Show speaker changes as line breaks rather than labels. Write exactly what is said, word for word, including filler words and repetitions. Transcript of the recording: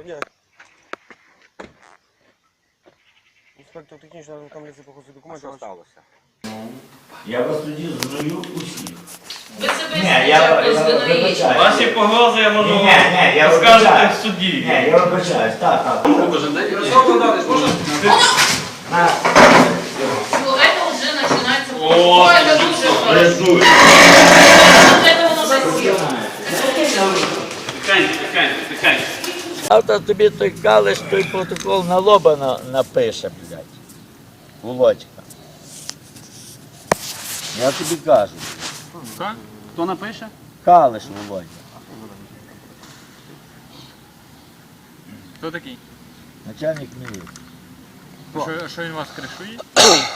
дня. Інспектор технічного комісії по ходу документів.
Що сталося?
Я вас тоді зрою усіх.
Ви себе
Ні, я, я вибачаю.
Ваші погрози я можу
Ні, ні, я
розказати
вибачаю.
в суді.
Ні, я вибачаюсь, так, так.
Ярослав Богданович, можна?
На.
Ну, это уже начинается.
О,
это дуже хорошо.
Рисуй.
Вот это воно засіло.
Тихенько, тихенько, тихенько.
Завтра тобі той калиш, той протокол на лоба на, напише, блядь. Володька. Я тобі кажу.
Хто напише?
Калиш, Володя.
Хто такий?
Начальник міліції.
Що, що він вас кришує?